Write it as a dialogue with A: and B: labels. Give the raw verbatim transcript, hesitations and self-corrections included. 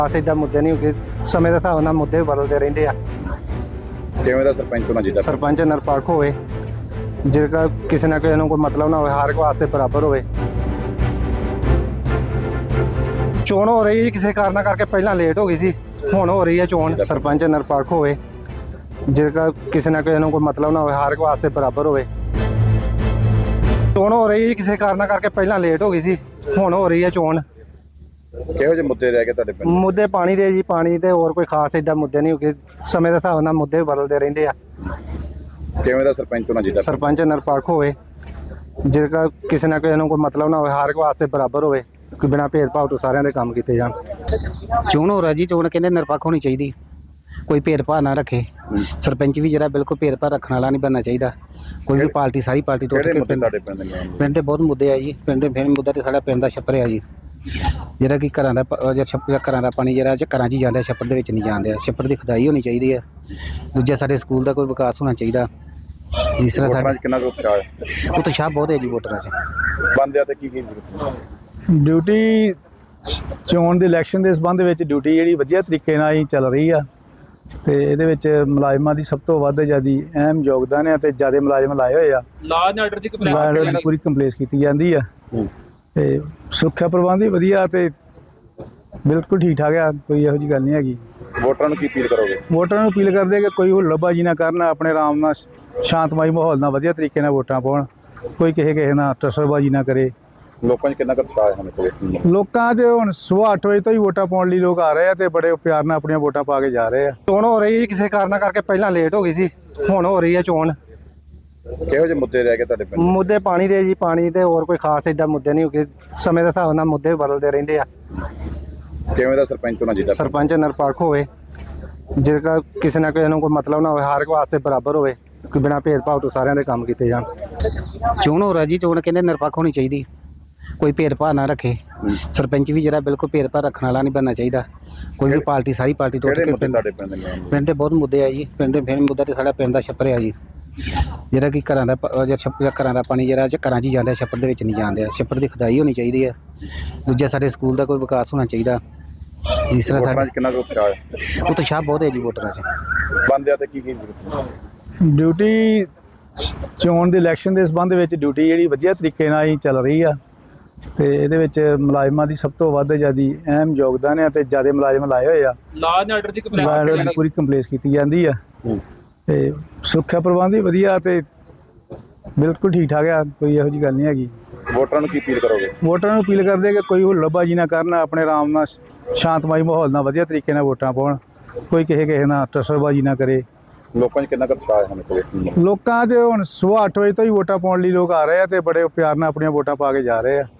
A: ਖਾਸ ਏਡਾ ਮੁੱਦੇ ਨਹੀਂ ਕਿ ਸਮੇਂ ਦੇ ਹਿਸਾਬ ਨਾਲ ਮੁੱਦੇ ਬਦਲਦੇ ਰਹਿੰਦੇ ਆ।
B: ਕਿਵੇਂ ਦਾ ਸਰਪੰਚ ਹੋਣਾ ਚਾਹੀਦਾ?
A: ਸਰਪੰਚ ਨਿਰਪੱਖ ਹੋਵੇ, ਜਿਹੜਾ ਕਿਸੇ ਨਾ ਕਿਸੇ ਨੂੰ ਕੋਈ ਮਤਲਬ ਨਾ ਹੋਵੇ, ਹਰ ਇੱਕ ਵਾਸਤੇ ਬਰਾਬਰ ਹੋਵੇ। ਚੋਣ ਹੋ ਰਹੀ ਹੈ ਕਿਸੇ ਕਾਰਨ ਕਰਕੇ, ਪਹਿਲਾਂ ਲੇਟ ਹੋ ਗਈ ਸੀ, ਹੁਣ ਹੋ ਰਹੀ ਹੈ ਚੋਣ। ਸਰਪੰਚ ਨਿਰਪੱਖ ਹੋਵੇ, ਜਿਹੜਾ ਕਿਸੇ ਨਾ ਕਿਸੇ ਨੂੰ ਕੋਈ ਮਤਲਬ ਨਾ ਹੋਵੇ, ਹਰ ਇੱਕ ਵਾਸਤੇ ਬਰਾਬਰ ਹੋਵੇ। ਚੋਣ ਹੋ ਰਹੀ ਹੈ ਕਿਸੇ ਕਾਰਨ ਕਰਕੇ, ਪਹਿਲਾਂ ਲੇਟ ਹੋ ਗਈ ਸੀ, ਹੁਣ ਹੋ ਰਹੀ ਹੈ ਚੋਣ।
B: ਕਿਹੋ ਜਿਹੇ ਮੁੱਦੇ ਰਹਿ ਗਏ ਤੁਹਾਡੇ ਪਿੰਡ?
A: ਮੁੱਦੇ ਪਾਣੀ ਦੇ ਜੀ, ਪਾਣੀ ਤੇ ਹੋਰ ਕੋਈ ਖਾਸ ਏਡਾ ਮੁੱਦੇ ਨਹੀਂ ਕਿ ਸਮੇਂ ਦੇ ਹਿਸਾਬ ਨਾਲ ਮੁੱਦੇ ਬਦਲਦੇ ਰਹਿੰਦੇ ਆ।
B: ਕਿਵੇਂ ਦਾ ਸਰਪੰਚ ਹੋਣਾ ਚਾਹੀਦਾ?
A: ਸਰਪੰਚ ਨਿਰਪੱਖ ਹੋਵੇ, ਜਿਹੜਾ ਕਿਸੇ ਨਾ ਕਿਸੇ ਨੂੰ ਕੋਈ ਮਤਲਬ ਨਾ ਹੋਵੇ, ਹਰ ਇੱਕ ਵਾਸਤੇ ਬਰਾਬਰ ਹੋਵੇ, ਕਿ ਬਿਨਾਂ ਭੇਦਭਾਵ ਤੋਂ ਸਾਰਿਆਂ ਦੇ ਕੰਮ ਕੀਤੇ ਜਾਣ।
C: ਚੋਣ ਹੋ ਰਹੀ ਜੀ, ਚੋਣ ਕਹਿੰਦੇ ਨਿਰਪੱਖ ਹੋਣੀ ਚਾਹੀਦੀ, ਕੋਈ ਭੇਦਭਾਵ ਨਾ ਰੱਖੇ। ਸਰਪੰਚ ਵੀ ਜਿਹੜਾ ਬਿਲਕੁਲ ਭੇਦਭਾਵ ਰੱਖਣ ਵਾਲਾ ਨਹੀਂ ਬਣਨਾ ਚਾਹੀਦਾ। ਕੋਈ ਵੀ ਪਾਰਟੀ, ਸਾਰੀ ਪਾਰਟੀ ਟੁੱਟ
B: ਕਿਹੜੇ
C: ਕੇ
B: ਮੁੱਦੇ
C: ਪਿੰਡ
B: ਤੁਹਾਡੇ ਪਿੰਡ ਦੇ ਨੇ?
C: ਪਿੰਡ ਦੇ ਬਹੁਤ ਮੁੱਦੇ ਆ ਜੀ। ਪਿੰਡ ਦੇ ਫਿਰ ਮੁੱਦਾ ਤੇ ਸਾਡਾ ਪਿੰਡ ਦਾ ਛੱਪਰ ਆ ਜੀ, ਜਿਹੜਾ ਕਿ ਘਰਾਂ ਦਾ ਪ- ਜਾਂ ਛੱਪ ਜਾਂ ਘਰਾਂ ਦਾ ਪਾਣੀ ਜਿਹੜਾ ਚ ਘਰਾਂ 'ਚ ਹੀ ਜਾਂਦਾ, ਛੱਪੜ ਦੇ ਵਿੱਚ ਨਹੀਂ ਜਾਂਦੇ। ਛੱਪੜ ਦੀ ਖੁਦਾਈ ਹੋਣੀ ਚਾਹੀਦੀ ਹੈ। ਦੂਜਾ ਸਾਡੇ ਸਕੂਲ ਦਾ ਕੋਈ ਵਿਕਾਸ ਹੋਣਾ ਚਾਹੀਦਾ। ਤੀਸਰਾ
B: ਵੋਟਰਾਂ
C: ਸਾਡੇ
B: 'ਚ ਕਿੰਨਾ ਕੁ ਉਤਸ਼ਾਹ ਹੈ?
C: ਉਤਸ਼ਾਹ ਬਹੁਤ ਹੈ ਜੀ ਵੋਟਰਾਂ 'ਚ।
B: ਬੰਦਿਆਂ ਤੇ ਕੀ ਕੀ ਜ਼ਰੂਰਤ?
D: ਡਿਊਟੀ ਚੋਣ ਦੇ ਇਲੈਕਸ਼ਨ ਦੇ ਸੰਬੰਧ ਵਿੱਚ ਡਿਊਟੀ ਜਿਹੜੀ ਵਧੀਆ ਤਰੀਕੇ ਨਾਲ ਹੀ ਚੱਲ ਰਹੀ ਆ, ਤੇ ਇਹਦੇ ਵਿੱਚ ਮੁਲਾਜ਼ਮਾਂ ਦੀ ਸਭ ਤੋਂ ਵੱਧ ਜਿਆਦੀ ਅਹਿਮ ਯੋਗਦਾਨ ਹੈ, ਤੇ ਜਿਆਦਾ ਮੁਲਾਜ਼ਮ ਲਾਏ ਹੋਏ ਆ।
E: ਲਾਅ ਐਂਡ ਆਰਡਰ ਦੀ
D: ਲਾਅ ਐਂਡ ਆਰਡਰ ਦੀ ਪੂਰੀ ਕੰਪਲੇਸ ਕੀਤੀ ਜਾਂਦੀ ਆ, ਤੇ ਸੁਰੱਖਿਆ ਪ੍ਰਬੰਧ ਵੀ ਵਧੀਆ, ਤੇ ਬਿਲਕੁਲ ਠੀਕ ਠਾਕ ਆ, ਕੋਈ ਇਹੋ ਜਿਹੀ ਗੱਲ ਨਹੀਂ ਹੈਗੀ।
B: ਵੋਟਰਾਂ ਨੂੰ ਕੀ ਅਪੀਲ ਕਰੋਗੇ?
D: ਵੋਟਰਾਂ ਨੂੰ ਅਪੀਲ ਕਰਦੇ ਕਿ ਕੋਈ ਹੁੱਲੜਬਾਜ਼ੀ ਨਾ ਕਰਨ, ਆਪਣੇ ਆਰਾਮ ਨਾਲ ਸ਼ਾਂਤਮਈ ਮਾਹੌਲ ਨਾਲ ਵਧੀਆ ਤਰੀਕੇ ਨਾਲ ਵੋਟਾਂ ਪਾਉਣ, ਕੋਈ ਕਿਸੇ ਕਿਸੇ ਨਾਲ ਟਸਰਬਾਜ਼ੀ ਨਾ ਕਰੇ।
B: ਲੋਕਾਂ 'ਚ ਕਿੰਨਾ ਕੁ ਉਤਸ਼ਾਹ ਹੈ ਹੁਣ ਕੋਲੇ?
D: ਲੋਕਾਂ 'ਚ ਹੁਣ ਸੁਬਾਹ ਅੱਠ ਵਜੇ ਤੋਂ ਹੀ ਵੋਟਾਂ ਪਾਉਣ ਲਈ ਲੋਕ ਆ ਰਹੇ ਆ, ਤੇ ਬੜੇ ਪਿਆਰ ਨਾਲ ਆਪਣੀਆਂ ਵੋਟਾਂ ਪਾ ਕੇ ਜਾ ਰਹੇ ਆ।
A: ਚੋਣ ਹੋ ਰਹੀ ਹੈ ਕਿਸੇ ਕਾਰਨ ਕਰਕੇ, ਪਹਿਲਾਂ ਲੇਟ ਹੋ ਗਈ ਸੀ, ਹੁਣ ਹੋ ਰਹੀ ਹੈ ਚੋਣ।
B: ਕਿਹੋ ਜਿਹੇ ਮੁੱਦੇ ਰਹਿ ਗਏ ਤੁਹਾਡੇ ਪਿੰਡ?
A: ਮੁੱਦੇ ਪਾਣੀ ਦੇ ਜੀ, ਪਾਣੀ ਤੇ ਹੋਰ ਕੋਈ ਖਾਸ ਏਡਾ ਮੁੱਦੇ ਨਹੀਂ ਕਿ ਸਮੇਂ ਦੇ ਹਿਸਾਬ ਨਾਲ ਮੁੱਦੇ ਬਦਲਦੇ ਰਹਿੰਦੇ ਆ।
B: ਕਿਵੇਂ ਦਾ ਸਰਪੰਚ ਹੋਣਾ ਚਾਹੀਦਾ?
A: ਸਰਪੰਚ ਨਿਰਪੱਖ ਹੋਵੇ, ਜਿਹੜਾ ਕਿਸੇ ਨਾ ਕਿਸੇ ਨੂੰ ਕੋਈ ਮਤਲਬ ਨਾ ਹੋਵੇ, ਹਰ ਇੱਕ ਵਾਸਤੇ ਬਰਾਬਰ ਹੋਵੇ, ਕਿ ਬਿਨਾਂ ਭੇਦਭਾਵ ਤੋਂ ਸਾਰਿਆਂ ਦੇ ਕੰਮ ਕੀਤੇ ਜਾਣ।
C: ਚੋਣ ਹੋ ਰਹੀ ਜੀ, ਚੋਣ ਕਹਿੰਦੇ ਨਿਰਪੱਖ ਹੋਣੀ ਚਾਹੀਦੀ, ਕੋਈ ਭੇਦਭਾਵ ਨਾ ਰੱਖੇ। ਸਰਪੰਚ ਵੀ ਜਿਹੜਾ ਬਿਲਕੁਲ ਭੇਦਭਾਵ ਰੱਖਣ ਵਾਲਾ ਨਹੀਂ ਬਣਨਾ ਚਾਹੀਦਾ। ਕੋਈ ਵੀ ਪਾਰਟੀ, ਸਾਰੀ ਪਾਰਟੀ ਟੁੱਟ
B: ਕਿਹੜੇ
C: ਕੇ
B: ਮੁੱਦੇ
C: ਪਿੰਡ
B: ਤੁਹਾਡੇ ਪਿੰਡ ਦੇ ਨੇ?
C: ਪਿੰਡ ਦੇ ਬਹੁਤ ਮੁੱਦੇ ਆ ਜੀ। ਪਿੰਡ ਦੇ ਫਿਰ ਮੁੱਦਾ ਤੇ ਸਾਡਾ ਪਿੰਡ ਦਾ ਛੱਪਰ ਆ ਜੀ, ਜਿਹੜਾ ਕਿ ਘਰਾਂ ਦਾ ਪ- ਜਾਂ ਛੱਪ ਜਾਂ ਘਰਾਂ ਦਾ ਪਾਣੀ ਜਿਹੜਾ ਚ ਘਰਾਂ 'ਚ ਹੀ ਜਾਂਦਾ, ਛੱਪੜ ਦੇ ਵਿੱਚ ਨਹੀਂ ਜਾਂਦੇ। ਛੱਪੜ ਦੀ ਖੁਦਾਈ ਹੋਣੀ ਚਾਹੀਦੀ ਹੈ। ਦੂਜਾ ਸਾਡੇ ਸਕੂਲ ਦਾ ਕੋਈ ਵਿਕਾਸ ਹੋਣਾ ਚਾਹੀਦਾ। ਤੀਸਰਾ
B: ਵੋਟਰਾਂ
C: ਸਾਡੇ
B: 'ਚ ਕਿੰਨਾ ਕੁ ਉਤਸ਼ਾਹ ਹੈ?
C: ਉਤਸ਼ਾਹ ਬਹੁਤ ਹੈ ਜੀ ਵੋਟਰਾਂ 'ਚ।
B: ਬੰਦਿਆਂ ਤੇ ਕੀ ਕੀ ਜ਼ਰੂਰਤ?
D: ਡਿਊਟੀ ਚੋਣ ਦੇ ਇਲੈਕਸ਼ਨ ਦੇ ਸੰਬੰਧ ਵਿੱਚ ਡਿਊਟੀ ਜਿਹੜੀ ਵਧੀਆ ਤਰੀਕੇ ਨਾਲ ਹੀ ਚੱਲ ਰਹੀ ਆ, ਤੇ ਇਹਦੇ ਵਿੱਚ ਮੁਲਾਜ਼ਮਾਂ ਦੀ ਸਭ ਤੋਂ ਵੱਧ ਜਿਆਦੀ ਅਹਿਮ ਯੋਗਦਾਨ ਹੈ, ਤੇ ਜਿਆਦਾ ਮੁਲਾਜ਼ਮ ਲਾਏ ਹੋਏ ਆ।
E: ਲਾਅ ਐਂਡ ਆਰਡਰ ਦੀ
D: ਲਾਅ ਐਂਡ ਆਰਡਰ ਦੀ ਪੂਰੀ ਕੰਪਲੇਸ ਕੀਤੀ ਜਾਂਦੀ ਆ, ਤੇ ਸੁਰੱਖਿਆ ਪ੍ਰਬੰਧ ਵੀ ਵਧੀਆ, ਤੇ ਬਿਲਕੁਲ ਠੀਕ ਠਾਕ ਆ, ਕੋਈ ਇਹੋ ਜਿਹੀ ਗੱਲ ਨਹੀਂ ਹੈਗੀ।
B: ਵੋਟਰਾਂ ਨੂੰ ਕੀ ਅਪੀਲ ਕਰੋਗੇ?
D: ਵੋਟਰਾਂ ਨੂੰ ਅਪੀਲ ਕਰਦੇ ਕਿ ਕੋਈ ਹੁੱਲੜਬਾਜ਼ੀ ਨਾ ਕਰਨ, ਆਪਣੇ ਆਰਾਮ ਨਾਲ ਸ਼ਾਂਤਮਈ ਮਾਹੌਲ ਨਾਲ ਵਧੀਆ ਤਰੀਕੇ ਨਾਲ ਵੋਟਾਂ ਪਾਉਣ, ਕੋਈ ਕਿਸੇ ਕਿਸੇ ਨਾਲ ਟਸਰਬਾਜ਼ੀ ਨਾ ਕਰੇ।
B: ਲੋਕਾਂ 'ਚ ਕਿੰਨਾ ਕੁ ਉਤਸ਼ਾਹ ਹੈ ਹੁਣ ਕੋਲੇ?
D: ਲੋਕਾਂ 'ਚ ਹੁਣ ਸੁਬਾਹ ਅੱਠ ਵਜੇ ਤੋਂ ਹੀ ਵੋਟਾਂ ਪਾਉਣ ਲਈ ਲੋਕ ਆ ਰਹੇ ਆ, ਤੇ ਬੜੇ ਪਿਆਰ ਨਾਲ ਆਪਣੀਆਂ ਵੋਟਾਂ ਪਾ ਕੇ ਜਾ ਰਹੇ ਆ।